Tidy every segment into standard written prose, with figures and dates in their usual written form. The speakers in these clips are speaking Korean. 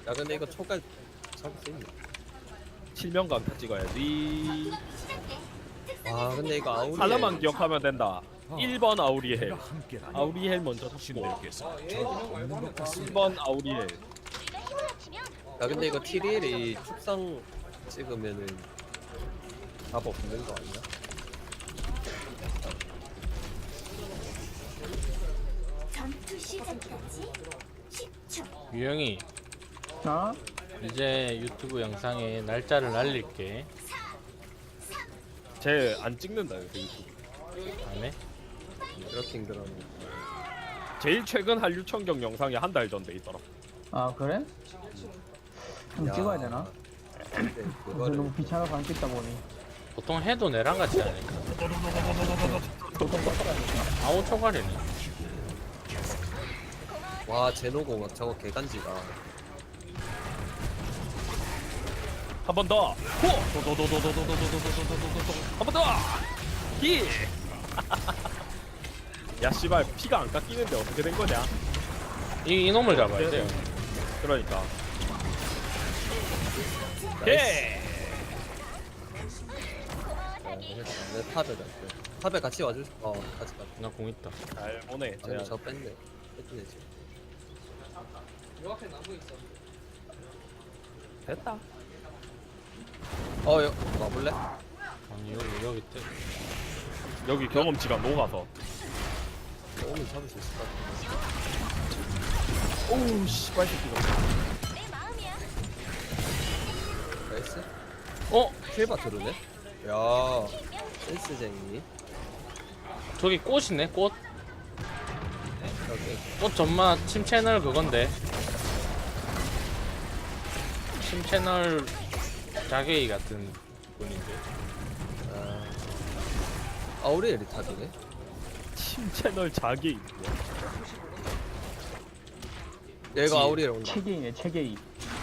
야 근데 이거 초갈 잡을 수 있나? 실명강 다 찍어야지. 아 근데 이거 아우리 하나만 기억하면 된다. 1번 아우리엘. 아우리엘 먼저 잡고 신들께서 저 없는 것 같습니다. 1번 아우리엘. 야 근데 이거 TDL이 축상 찍으면은 답 없는 거 아니야? 전투 시작까지 10초. 유영이 어? 이제 유튜브 영상에 날짜를 날릴게. 쟤 안 찍는다 요새 유튜브. 안 해? 이렇게 힘들었네. 제일 최근 한류 청경 영상이 한 달 전 돼 있더라. 아 그래? 그럼 야. 찍어야 되나? 근데 그래서 그거를 너무 귀찮아서 안 찍다 보니 보통 해도 내랑 같이 하니까. 아우 초과리네. 와 제노공학 저거 개간지가. 한 번 더. 호. 한 번 더. 히. 야 씨발 피가 안 깎이는데 어떻게 된 거냐? 이놈을 잡아야 돼요. 그러니까. 나이스. 예. 내 탑에 갈게. 탑에 같이 와줄. 같이 가. 나 공 있다. 잘 보내. 아니 저 뺐네. 뺐네 지금. 됐다. 여 와볼래? 아니 여기 있대. 여기 경험치가 녹아서. 오면 잡을 수 있을 것 같아. 오우 씨발 새끼가. 나이스. 어? 킬바 들으네? 야 센스쟁이. 저기 꽃이네 꽃. 여기. 꽃 전마 침 채널 그건데. 침 채널 자개이 같은 분인데. 아우리엘이 탑이네? 팀 채널 자기. 얘가 아우리엘 온다. 체계이네 체계이.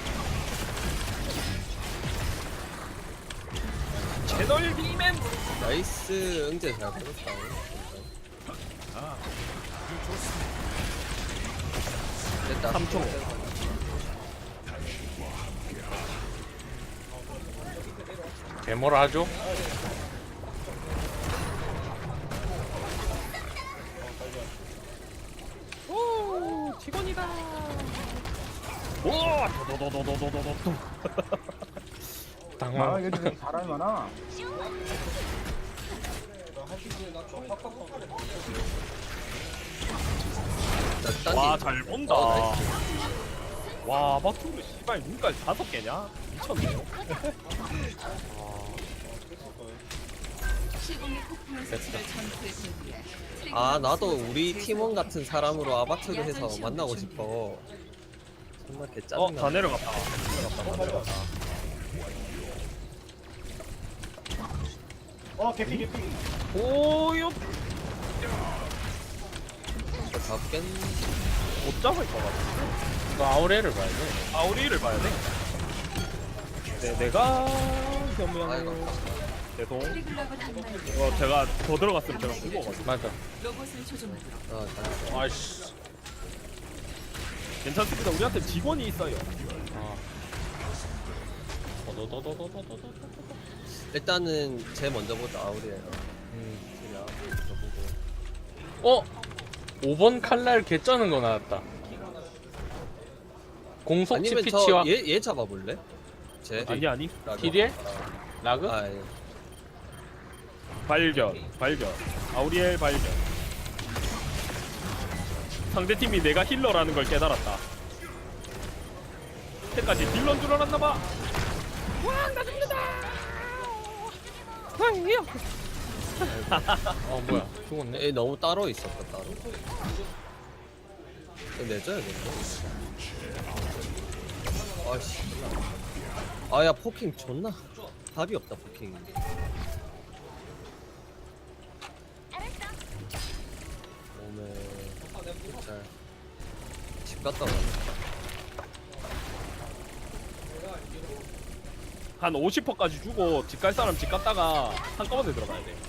채널 비맨. 나이스 응제 잘 보냈다. 됐다. 3초. 개모라 하죠? 오 직원이다. 오 도도도도도도도도. 당황. 아 여기 사람이 많아. 와 잘 본다. 나이스. 와 박투르 씨발 눈깔 5개냐? 미쳤네요. 나도 우리 팀원 같은 사람으로 아바트를 해서 만나고 싶어. 정말 개짜증나. 다 내려갔다. 오요 잡겠. 못 잡을 것 같아. 너 아우레를 봐야 돼. 아우리를 봐야 돼. 네, 내가 아이고. 그러면 죄송. 제가 더 들어갔으면 제가 죽어가지고. 맞아. 잘했어. 아이씨. 괜찮습니다. 우리한테 직원이 있어요. 도도도도도도도도. 일단은 쟤 먼저 보자 아우리엘. 제가 먼저 보고. 5번 칼날 개쩌는 거 나왔다. 공속 아니면 치피치와 얘 잡아볼래? 쟤. 아니 라그. TDL? 라그? 예. 발견. 아우리엘 발견. 상대팀이 내가 힐러라는 걸 깨달았다. 때까지 딜러인 줄 알았나봐. 와, 나 죽는다. 왕이요. 뭐야 죽었네. 얘 너무 따로 있었다 따로. 얘 내줘야겠네. 아씨. 아야 포킹 존나 답이 없다 포킹. 몸에 집 갔다 와. 한 50%까지 주고 집 갈 사람 집 갔다가 한꺼번에 들어가야 돼.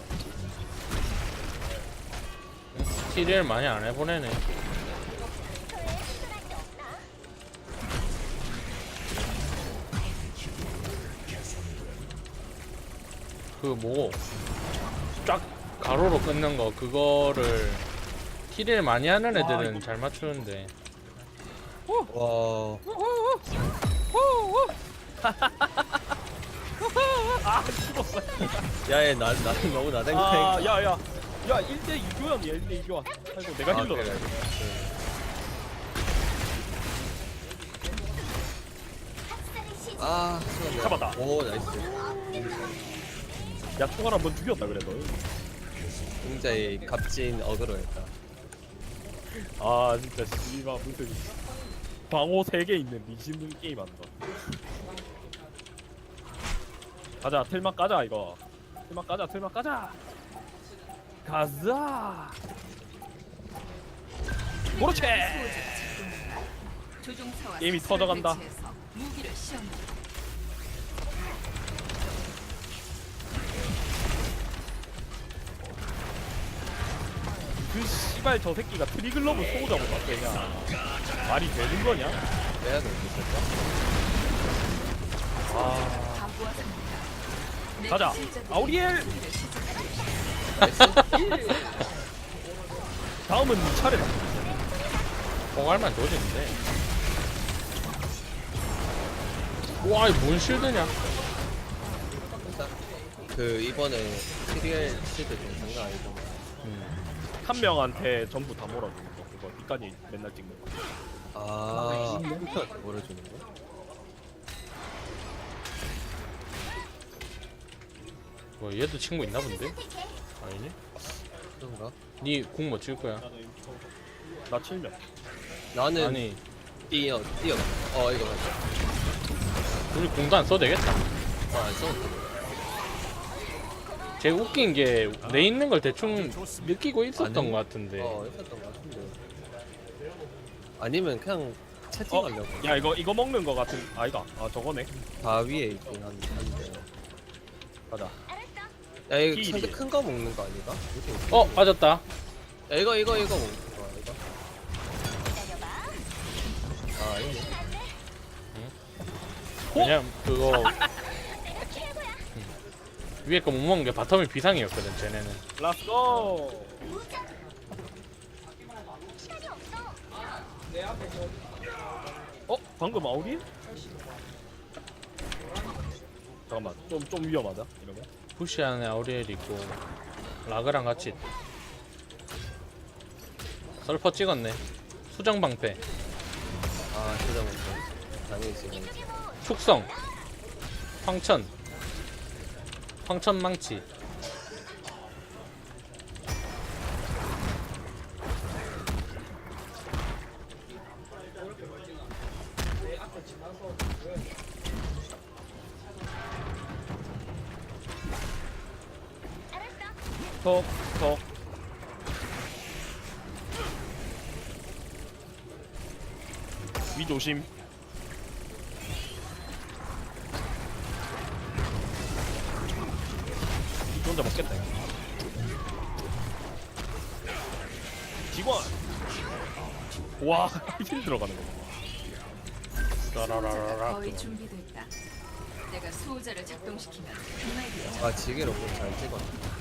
TDL 많이 안 해보내네. 그 뭐 쫙 가로로 끊는 거 그거를 킬을 많이 하는 애들은 잘 맞추는데 와. 아 죽었어. 야얘 나 너무 나댕댕. 야야 1대 2교환이야 1대 2교환. 아이고 내가 힐러다. 그래. 아, 수고하네. 잡았다. 오, 나이스. 야 총알 한번 죽였다 그래도. 굉장히 값진 어그로였다. 아 진짜 씨발 무슨 방어 3개 있는 미친 게임 한다. 가자 틀막 가자 이거. 틀막 가자. 가자. 그렇지. 게임이 터져간다. 그 씨발 저 새끼가 트리글러브 소우자고 맞대냐. 말이 되는 거냐? 내가 너무 있었다. 가자 아우리엘. 나이스. 다음은 네 차례다. 포괄만 조지는데 와 이거 뭔 실드냐. 그 이번에 시리얼 시드 좀 장난 아니고. 한 명한테 전부 다 몰아주는 거 그거 니까지 맨날 찍는 거. 아, 몰아주는 거? 뭐 얘도 친구 있나 본데? 아니니? 그런가? 니 공 뭐 칠 거야? 나 7명. 나는 아니 뛰어. 이거 맞아. 우리 공도 안 써도 되겠다. 안 써도 제가 웃긴 게 내 있는 걸 대충 느끼고 있었던 아니, 것 같은데 있었던 것 같은데. 아니면 그냥 채팅하려고. 야 이거 먹는 거 같은 아니다. 아 저거네. 다 위에 있긴 한데. 가자. 야, 이거 끼리. 상대 큰 거 먹는 거 아닌가? 이렇게 어 빠졌다. 야, 이거 먹는 거 이거. 아, 이거. 왜냐면 그거 위에 거 못 먹는 게 바텀이 비상이었거든 쟤네는. 렛츠고. 방금 아우리? 잠깐만 좀 위험하다 이러면. 부시 안에 아우리엘 있고 라그랑 같이 설퍼 찍었네. 수정 방패, 아, 진짜 먹자. 당연히 지금. 축성, 황천 망치. 톡. 위 조심. 이 혼자 먹겠다. 이거. 직원. 와, 힐 들어가는 거. 라라라라라. 거의 준비됐다. 내가 수호자를 작동시키면 그만이야. 아, 지게로 잘 찍어.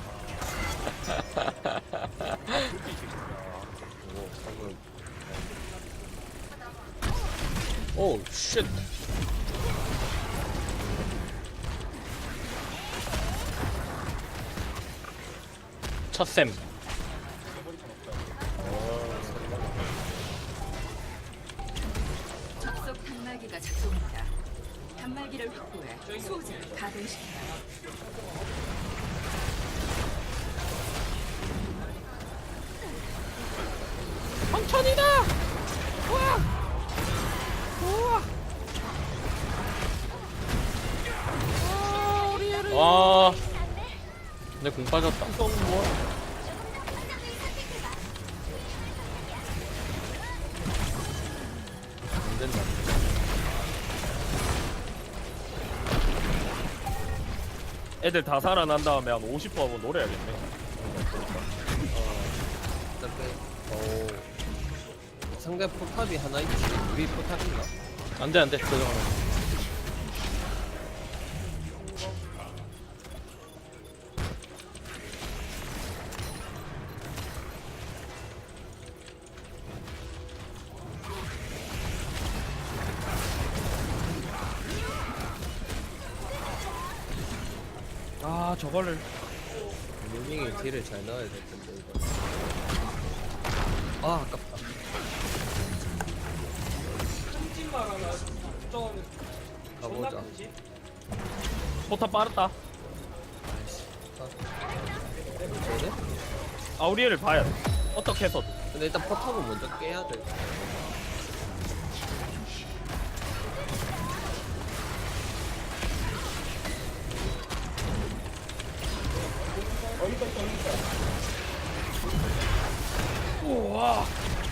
오, 방금. 오 쉣. 첫샘. 접속 단말기가 작동한다. 단말기를 확보해 수호자를 가동시켜라. 와. 내 공 빠졌다. 안 된다. 애들 다 살아난 다음에 한 50%하고 노래야겠네. 상대 포탑이 하나 있지. 우리 포탑 있나? 안돼 안돼. 아 저거를 무빙이 딜을 잘 넣어야 될 텐데 이거. 아 아깝다. 찜찜말 하나 좀 존나 가보자. 크지? 포탑 빠르다. 되네? 아우리엘을 봐야 돼. 어떻게 해서도. 근데 일단 포탑은 먼저 깨야 돼. 우와.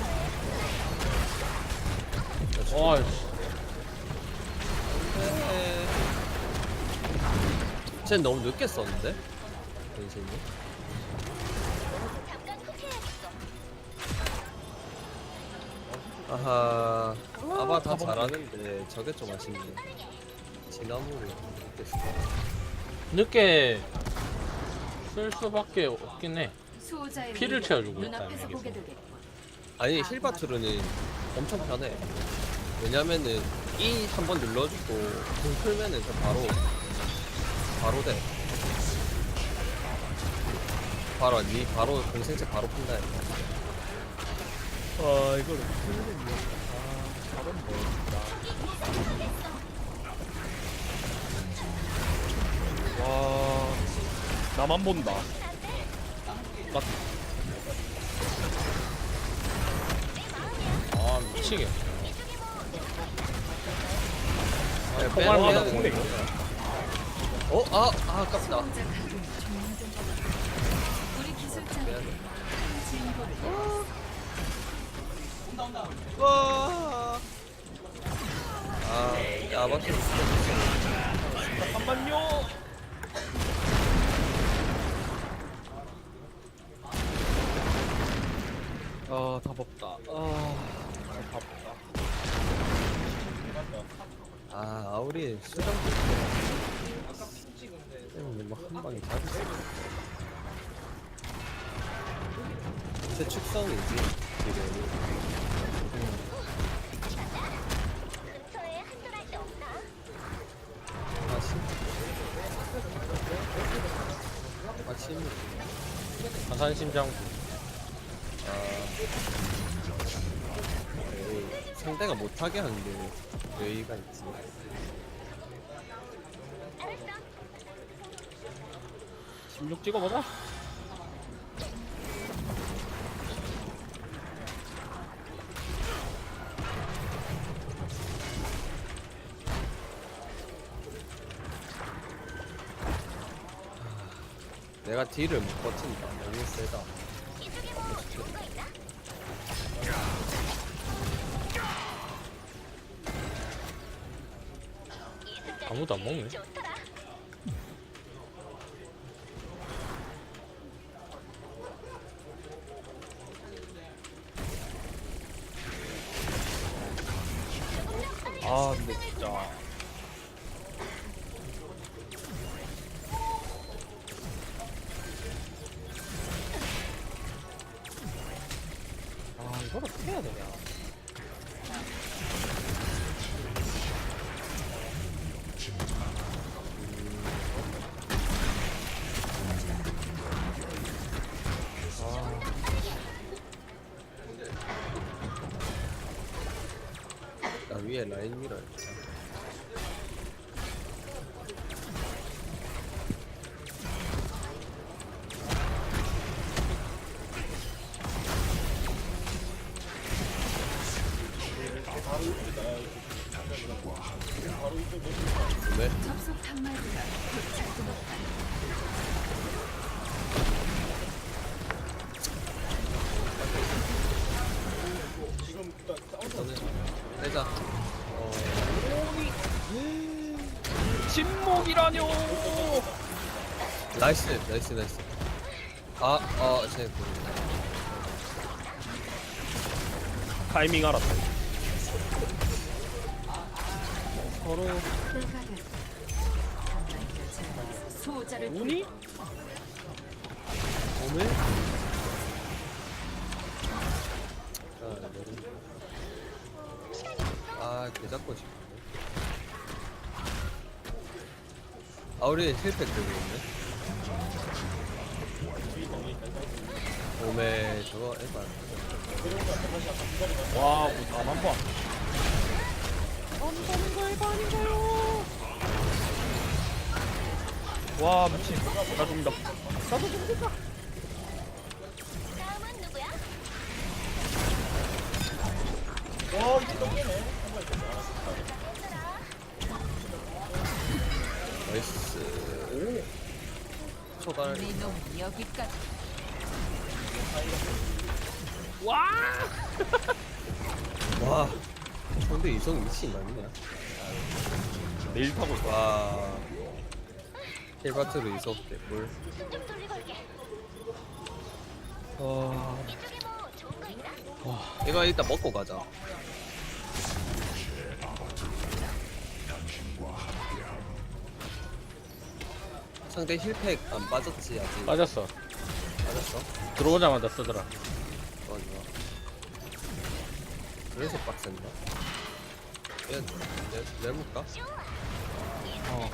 와, 쟤 너무 늦게 썼는데? 변신이? 아하 아바 다 잘하는데 저게 좀 아쉽네. 지나무를 늦게 쓰. 늦게 쓸 수밖에 없긴 해. 수호자의 피를 위력을 채워주고 있다, 눈앞에서 이게 보게 뭐. 되겠군. 아니 힐바트루는 엄청 편해. 왜냐면은 E 한번 눌러주고 공 풀면은 저 바로 돼. 바로 니 바로 공생체 바로 푼다. 아 이걸 풀리네. 아 잘했네 진짜. 와 나만 본다. 아, 미치겠네. 포괄마다 공대. 어? 아깝다. 수호자 가동 종료된 우리 기술자들이 진보를 와. 아바트. 잠깐만요. 아 답없다. 아우리 수정 때문에 뭐한 방에 잡았어. 제 축성이지 지금. 아침 화산심장 상대가 못하게 하는 게 여유가 있지. 16 찍어보자. 내가 딜을 못 버틴다. 너무 세다. 아무도 안 먹네. 아 근데 진짜 아 이걸 어떻게 해야 되냐. 나 위에 라인 밀어야 돼. 왜? 접속 단말기가 곧 작동한다. 빼자. 침묵이라뇨. 나이스. 쟤 타이밍 알았다. 서로 불가결. 단말기가 제거해서 수호자를 운이? 오늘 개잡고 싶네. 우리 힐팩 들고 있네. 몸에 저거 해봐. 와, 뭐 나만 봐. 와, 미친. 나 죽는다. 다음은 누구야? 나이스. 초반. 우리 놈 여기까지. 와. 근데 이성 미친 아니냐? 내일 타고 있어. 와. 힐바트로 이성 개꿀. 좀 돌리고 올게. 와. 이쪽에 뭐 좋은 거 있나? 이거 일단 먹고 가자. 상대 힐팩 안 빠졌지 아직. 빠졌어. 빠졌어? 들어오자마자 쓰더라. 좋아 좋아. 그래서 빡센다. 내볼까? 어.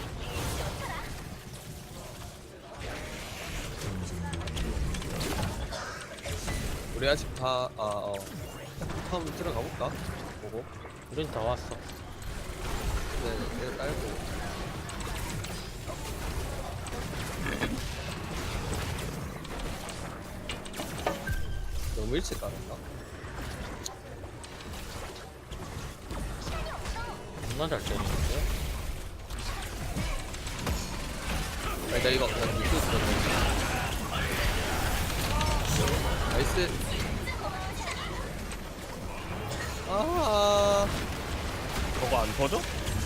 우리 아직 다 처음 들어가 볼까? 보고. 우린 다 왔어. 네, 내가 깔고. 너무 일찍 깔았나? 존나 잘 때리는데. 아니 나 이거 그냥 밑에 있어. 나이스. 아. 저거 안 터져?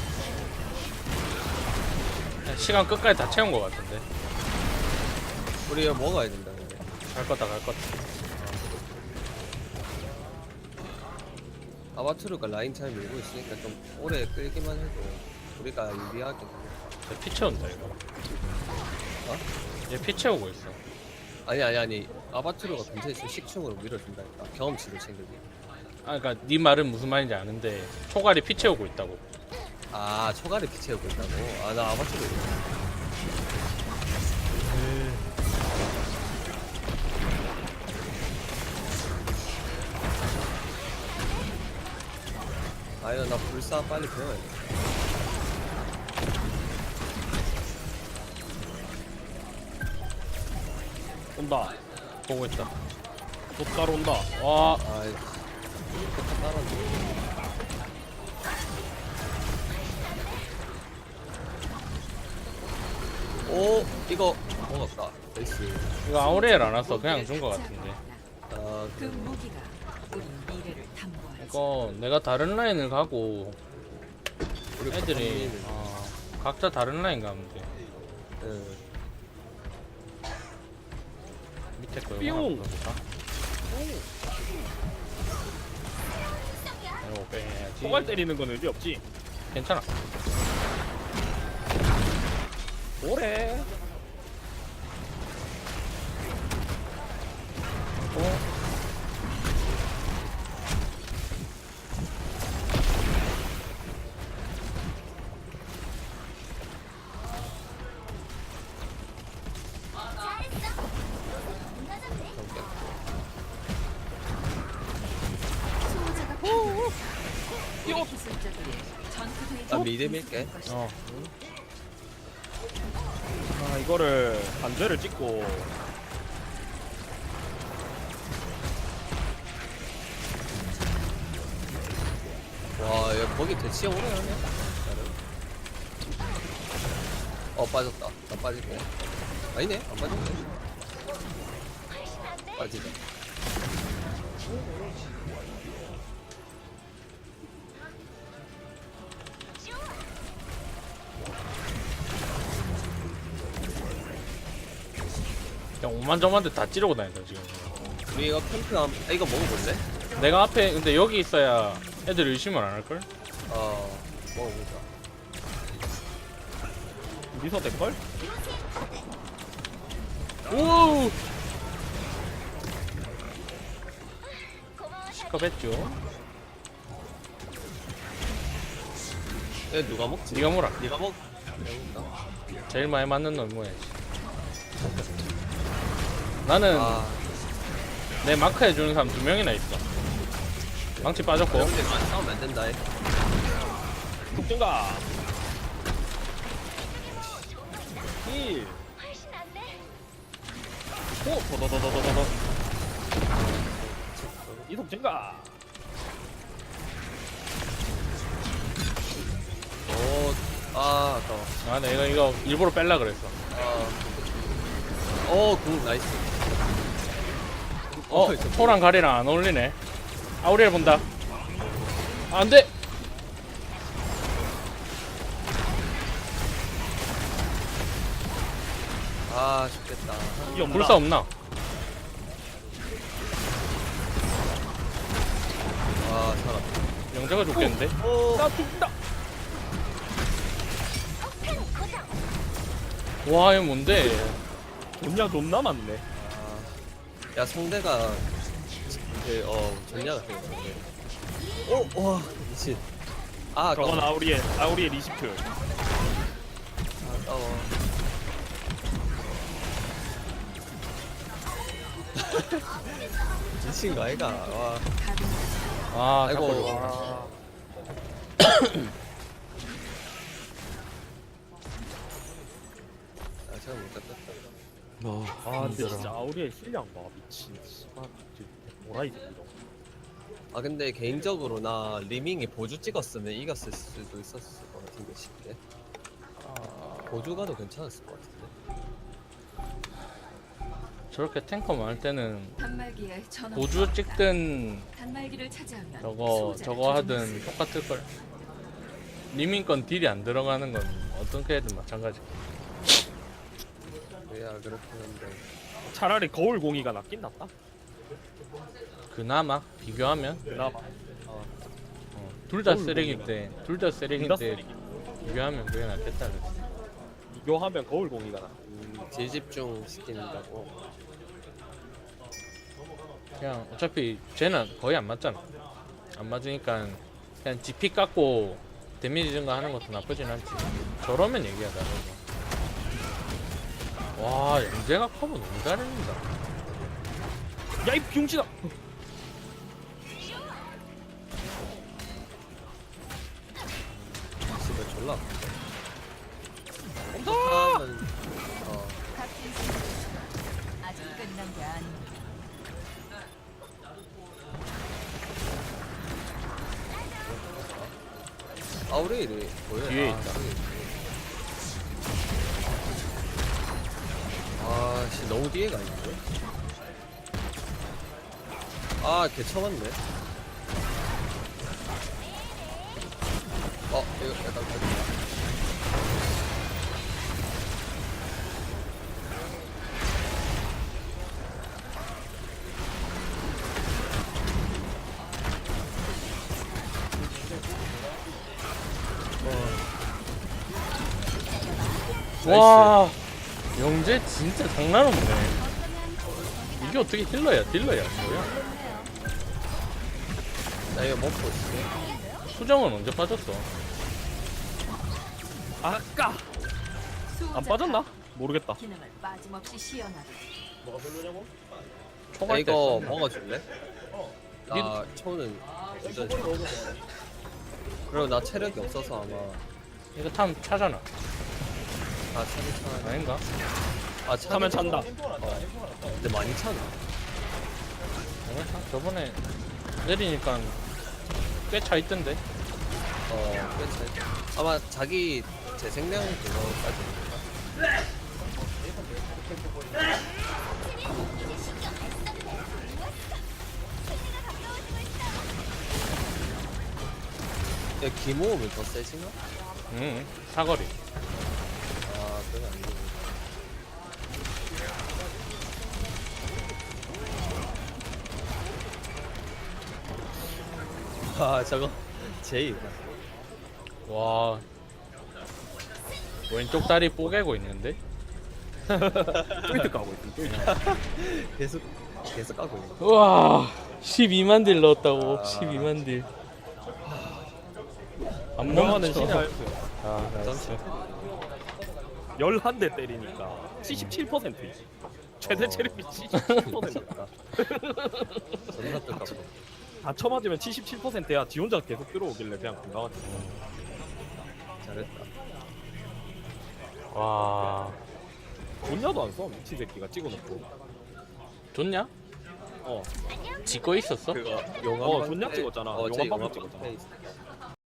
시간 끝까지 다 채운 것 같은데. 우리 이거 먹어야 된다 근데. 갈 거다 갈 거다. 아바투르가 라인 잘 밀고 있으니까 좀 오래 끌기만 해도 우리가 유리하게. 피 채운다 이거. 어? 얘 피 채우고 있어. 아니 아바투르가 근처에 있으면 식충으로 밀어준다니까 경험치를 챙기기. 아 그니까 네 말은 무슨 말인지 아는데 초갈이 피 채우고 있다고. 아 초가를 피 채우고 있다고? 아 나 아바투르 아유 나 불사 빨리 배워야 돼. 온다. 보고 있다. 또 따라온다. 와 아이 좋다 따라줘. 오 이거 먹었다. 나이스. 이거 아우레엘 안 왔어. 그냥 준 거 같은데. 아 그 무기가 우리 미래를 탐구하지. 이거 내가 다른 라인을 가고 우리 애들이 커뮤니티는, 각자 다른 라인 가면 돼. 응. 밑에 거 뿅! 이거 하나 볼까? 이거 빼야지. 초갈 때리는 건 의미 없지. 괜찮아. 뭐래? 잘했어. 맞았네. 수호자가 필요해. 우리 기술자들이 전투도에 나 미드 밀게. 어. 아, 이거를 반대를 찍고. 와, 야, 거기 대치 오래 하네. 빠졌다. 나 빠질게. 아니네, 안 빠졌네. 빠지다. 그냥 오만저만데 다 찌르고 다닌다 지금. 우리 이거 캠프 이거 먹어볼래? 내가 앞에 근데 여기 있어야 애들 의심을 안 할걸? 먹어보자. 우리서 될걸? 오! 시컵했죠. 얘 누가 먹지? 네가 뭐라? 네가 먹. 내가 먹다. 제일 많이 맞는 놈 뭐야지. 나는 아 내 마크 해주는 사람 2명이나 있어. 망치 빠졌고. 근데 많이 싸우면 안 된다. 독증가. 힐. 훨씬 낫네. 오, 더더더더더더. 이속 증가. 아까워. 아, 내가 이거 일부러 뺄라 그랬어. 굿 나이스. 초랑 가리랑 안 어울리네. 아우리엘 본다. 아, 안 돼. 아 죽겠다. 이 없나? 불사 없나? 아 살았다. 영재가 죽겠는데? 나 죽는다. 와, 이거 뭔데? 존냐 존나 많네. 야 성대가 전략 같은 거 같은데. 와 미친. 아 저건 아까워. 아우리의 리시트. 아까워. 미친 거 아이가. 와. 아, 아이고. 자꾸 와. 아 제가 못 잡겠다. 아, 근데 진짜 아우리의 실력 봐. 미친. 씨발. 뭐라 이 새끼. 아 근데 개인적으로 나 리밍이 보주 찍었으면 이겼을 수도 있었을 것 같은데 쉽게. 보주 가도 괜찮았을 것 같은데. 저렇게 탱커 많을 때는 단말기에 전원. 보주 찍든 단말기를 차지하면 저거 수호자를 하든 조종할 수 있다. 똑같을 걸. 리밍 건 딜이 안 들어가는 건 어떻게 해든 마찬가지. 그래야 그렇긴 한데. 차라리 거울 공이가 낫긴 낫다. 그나마 비교하면 그나마. 둘 다 거울 쓰레기인데 둘 다 쓰레기인데 쓰레기. 비교하면 그게 낫겠다 그랬어. 비교하면 거울 공이가 낫. 재집중 시킨다고. 그냥 어차피 쟤는 거의 안 맞잖아. 안 맞으니까 그냥 GP 깎고 데미지 증가하는 것도 나쁘진 않지. 저러면 얘기하다. 와, 영재가 커버 너무 잘해준다. 야, 이 병신아. 집에 졸라. 하면 같은 생각. 아직 끝난 게 아닙니다. 아우레일이 뭐야? 뒤에 있다. 아씨 너무 뒤에 가 있는데. 걔 쳐맞네. 이거 약간 가지마. 와, 영재 진짜 장난 없네. 이게 어떻게 딜러야? 뭐야? 나 이거 먹고 있어. 수정은 언제 빠졌어? 아까 안 빠졌나? 모르겠다. 기능을 빠짐없이 시연하다. 나 초갈 때 이거 썼나? 먹어줄래? 나 초는 완전 좋아. 그리고 나 체력이 없어서 아마 이거 탐 차잖아. 차는 차. 아닌가? 차면 찬다. 근데 많이 차나? 저번에 내리니까 꽤 차 있던데. 꽤 차. 아마 자기 재생량 그거까지. 야, 기모으면 더 세지나? 응, 사거리. 그건 아니고. 저거 제이다. 와, 왼쪽 다리 뽀개고 있는데? 트위트 까고 있어. 계속 까고 있네. 우와, 12만 딜 넣었다고. 아. 12만 딜. 안 명화는 멈춰. 신의 할 아, 나이스. 11대 때리니까 77%. 최대 체력이 77%다. 존나 뜰까 다 쳐맞으면 77%야. 지 혼자 계속 들어오길래 그냥 금방 잘했다. 와 존냐도 안 써. 미친 새끼가 찍어놓고. 좋냐? 어. 지거 있었어? 그거 용암 존냐 찍었잖아. 어, 용암 제 방금 용암 찍었잖아. 방패 있어.